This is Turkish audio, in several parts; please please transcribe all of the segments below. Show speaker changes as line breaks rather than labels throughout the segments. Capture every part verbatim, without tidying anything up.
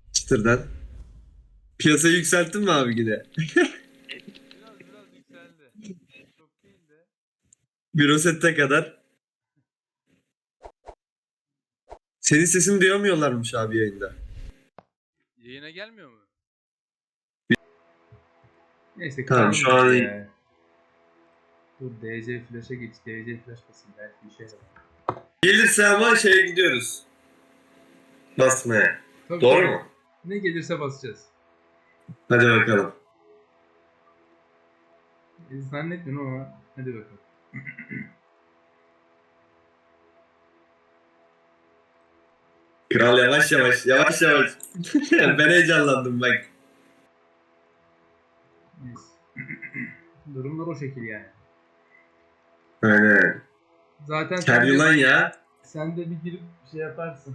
Çıtırdan. Piyasayı yükselttin mi abi yine?
Biraz biraz yükseldi. Çok değil de.
Eurosette kadar. Senin sesini duyamıyorlarmış abi yayında.
Yayına gelmiyor mu?
Neyse
Tamam,
kıralım
şu
biz
an-
ya. Dur D C flash'a geç. D C flash basın belki bir şey var.
Gelirse ama şeye gidiyoruz. Basmaya.
Tabii,
Doğru
tabii.
mu?
Ne gelirse basacağız.
Hadi bakalım.
E, zannetmiyorum ama hadi bakalım.
Kral yavaş yavaş, yavaş yavaş. Ben heyecanlandım bak.
Neyse. Durumlar o şekil yani.
Aynen.
Zaten
Ker
sen de,
yılan ya.
sen de bir girip bir şey yaparsın.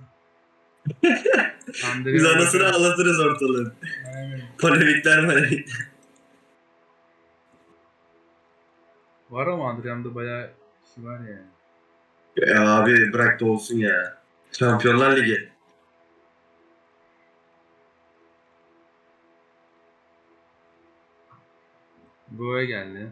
Biz anasını ağlatırız ortalığı.
Aynen.
Polemikler polemikler.
Var ama Adrian'da bayağı kişi var yani.
Ya abi bırak da olsun ya. Şampiyonlar Ligi.
Go'ya geldi.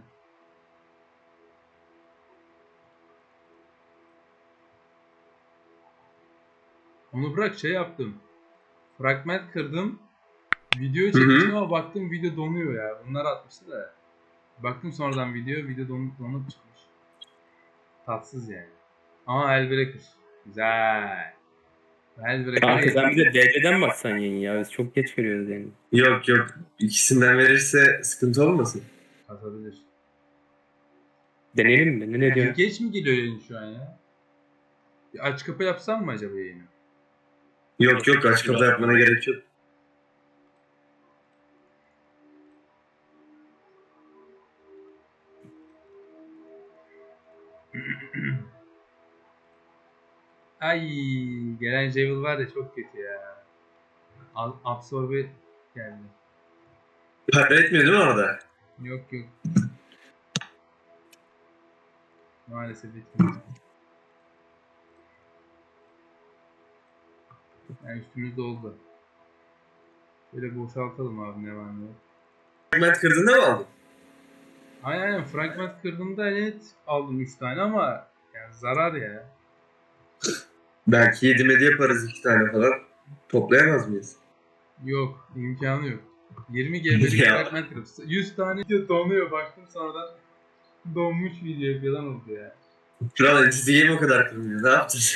Onu bırak şey yaptım. Fragment kırdım. Video
Hı
çekmiştim
hı.
ama baktım video donuyor ya. Bunlar atmıştı da. Baktım sonradan video, video donup donup çıkmış. Tatsız yani. Ama Hellbreaker. Güzel. Hellbreaker'a
Kanka
geç.
sen bize D C'den baksan yayın ya. Biz çok geç görüyoruz yani.
Yok yok. İkisinden verirse sıkıntı olmasın.
Atabilir.
Deneyelim mi? Ne, ne diyorsun?
Geç mi geliyor yayın şu an ya? Bir aç kapı yapsam mı acaba yayını?
Yok yok, aç kapı yapmana gerek yok.
Ay gelen Javel var ya çok kötü ya. Al- Absorbe geldi.
Para etmiyor değil mi orada?
Yok yok. Maalesef etmiyor. Yani üstümüz doldu. Böyle boşaltalım abi ne var ne yok.
Fragment kırdığında mı aldın?
Aynen aynen fragment kırdığımda evet aldım üç tane ama yani zarar ya.
Belki yedi medya yaparız iki tane falan. Toplayamaz mıyız?
Yok imkanı yok. yirmi G B'lik
Ya.
fragment kırıp yüz tane video donuyor baktım sonradan donmuş video falan oldu ya.
Kral çizgiyi mi o kadar kırmıyor? Ne yapacağız?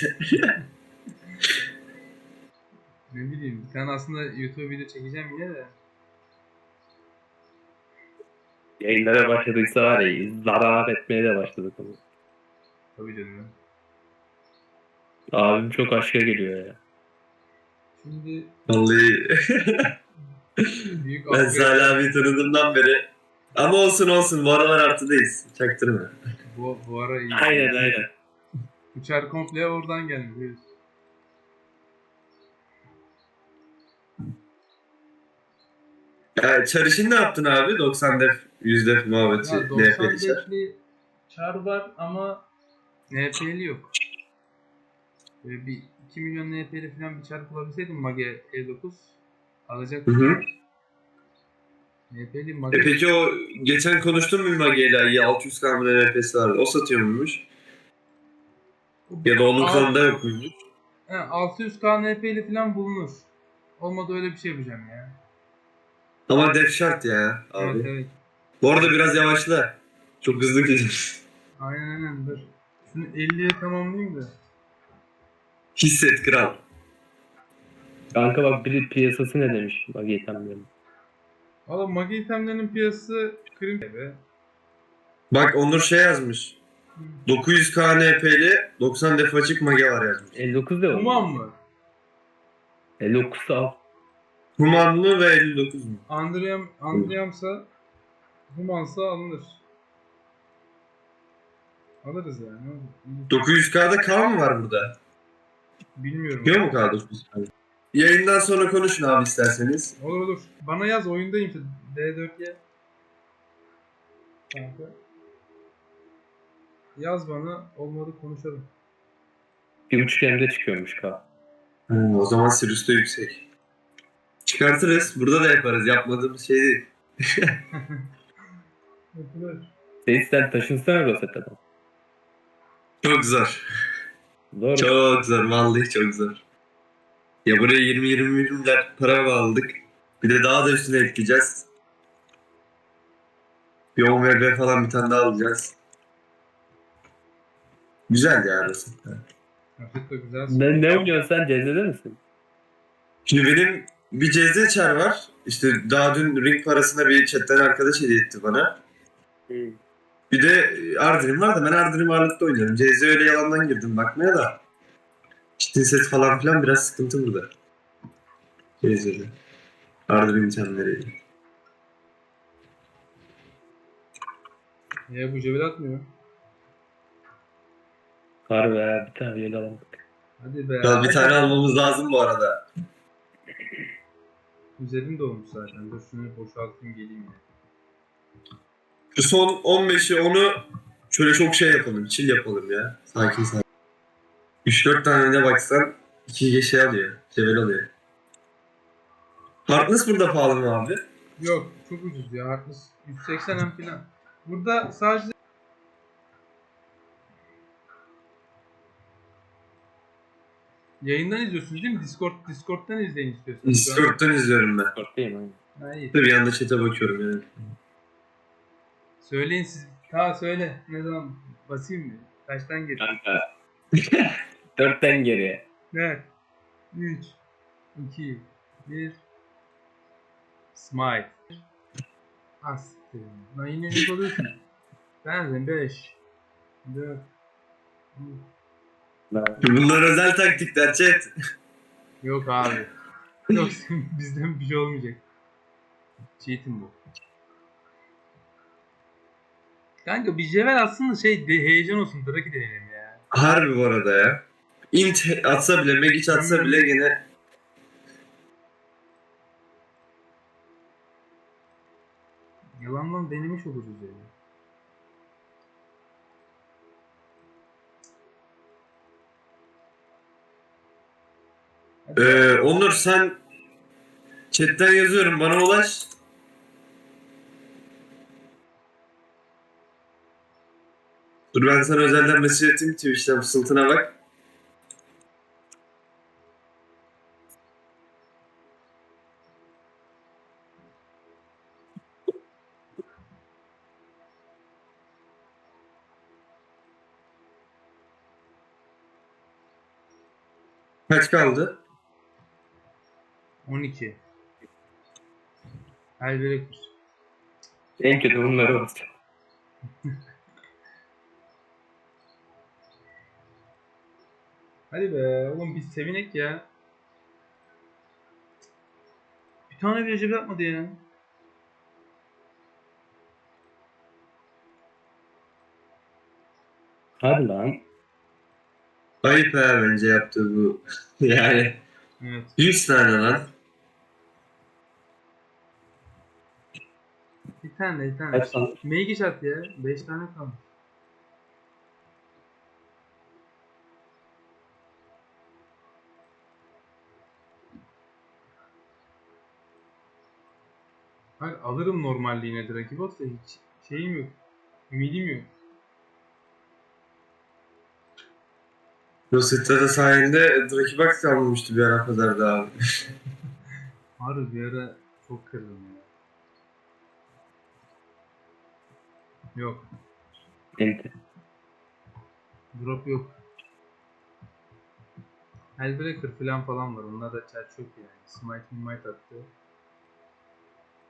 Ne bileyim bir tane aslında YouTube video çekeceğim yine de.
Yayınlara başladıysa var ya zarar etmeye de başladık ama.
Tabii canım.
Abim çok aşka geliyor ya.
Şimdi
Vallahi
büyük
ben
upgrade.
Salih abi tanıdığımdan beri. Ama olsun olsun, bu aralar artıdayız. Çaktırma.
Bu, bu ara iyi.
Aynen aynen.
Uçar komple oradan gelmiş. biliyorsun.
Ya, Çarış'ın ne yaptın abi? doksan def, yüz def muhabbeti.
Ya
N F
doksan
L Çar.
defli çar var ama N F L'li yok. Böyle bir iki milyon N F L'li falan bir çar bulabilseydim Mage E dokuz
Hı
alacaktım.
hı.
N F L'li
E
Mage
peki o geçen konuştun mu Mage'yle? Ya altı yüz K N F S'si vardı. O satıyor muymuş? Ya da onun
Alt-
kanında yok muymuş?
He, altı yüz K N F L'li falan bulunur. Olmadı öyle bir şey yapacağım ya.
Ama def şart ya abi.
Evet evet.
Bu arada biraz yavaşla. Çok hızlı gidiyor.
Aynen aynen dur. Şunu elliye tamamlayayım da.
Hisset kral.
Kanka bak biri piyasası ne demiş. Bak yetenmiyorum.
Valla Mage itemlerinin piyasası krim gibi.
Bak Onur şey yazmış. dokuz yüz K N F'li doksan def açık mage var yazmış.
elli dokuz da
Human mı?
elli dokuz al.
Humanlı ve elli dokuz mu?
Andriam, Andriam'sa Human'sa alınır. Alırız yani. ne olur.
dokuz yüz K'da K mı var burada?
Bilmiyorum.
Yok mu K dokuz yüz K? Yayından sonra konuşun abi isterseniz.
Olur olur. Bana yaz oyundayım işte. D dört'ye. Kanka. Yaz bana. Olmadı konuşalım.
Bir buçuk M'de çıkıyormuş K.
Hmm, o zaman Sirius'ta yüksek. Çıkartırız. Burada da yaparız. Yapmadığımız şey değil.
Yapılır.
Seyit sen taşınsana Rosetta'dan.
Çok zor.
Zor.
Çok zor. Vallahi çok zor. Ya buraya yirmi yirmi milyar para bağladık. Bir de daha da üstüne ekleyeceğiz. Bir on V B falan bir tane daha alacağız. Güzel ya Rosetta.
Hafif de güzel.
Ne, ne oynuyorsun sen? C Z'de misin?
Şimdi benim bir C Z çar var. İşte daha dün ring parasına bir chatten arkadaş hediye etti bana. Bir de Ardinim var da ben Ardinim ağırlıkta oynuyorum. C Z öyle yalandan girdim bakmaya da. Çitin set falan filan biraz sıkıntı burada. C Z'de. Ardinim itemleri.
Ya bu cebel atmıyor.
Harbi ha, bir tane yel alamadık.
Hadi be.
Ya bir tane almamız lazım bu arada.
Üzerim dolmuş zaten. Dur şunu boşaltayım geleyim ya.
Şu son on beşi onu şöyle çok şey yapalım. Chill yapalım ya. Sakin sakin. üç dört tane ne baksan iki şey alıyor. Level alıyor. Hardness burada pahalı mı abi?
Yok çok ucuz ya. Hardness yüz seksen M falan. Burada sadece yayından izliyorsunuz değil mi? Discord Discord'dan izleyin istiyorsanız.
Discord'dan izliyorum ben.
Korktayım aynen.
Ha, iyi.
Bir yanda chat'e bakıyorum yani.
Söyleyin siz. Ta söyle. Ne zaman basayım mı? Kaçtan gir?
Kanka. Dörtten geriye.
Ne? üç iki bir Smite. Astı. Lan yine ne oluyorsun? Ben beş dört
Bunlar özel taktikler chat.
Yok abi. Yok bizden bir şey olmayacak. Cheat'im bu. Kanka bir Jevel aslında şey de, heyecan olsun. Draki deneyelim ya.
Harbi bu arada ya. Int atsa bile, Magic atsa bile gene
Yalandan denemiş oluruz yani. Hadi.
Ee, Onur sen chatten yazıyorum bana ulaş. Dur ben sana özelden mesaj atayım Twitch'ten fısıltına bak. Kaç kaldı?
on iki. Elbette.
En kötü bunları olsun.
Hadi be oğlum biz sevinek ya. Bir tane bir Jevel yapmadı ya.
Hadi lan.
Ayıp ha bence yaptığı bu. Yani
Evet.
yüz tane lan.
Bir tane bir tane.
Kaç tane?
Meygiş at ya. beş tane kalmış. Hayır alırım normalliğine Draki Boss da hiç şeyim yok. Ümidim yok.
Rosetta'da sayende Draki Box kalmamıştı bir ara kadar da abi.
Harbi bir ara çok kırdım ya. Yok.
Ente.
Drop yok. Hellbreaker falan falan var. Onlar da çer çok yani. Smite Smite attı.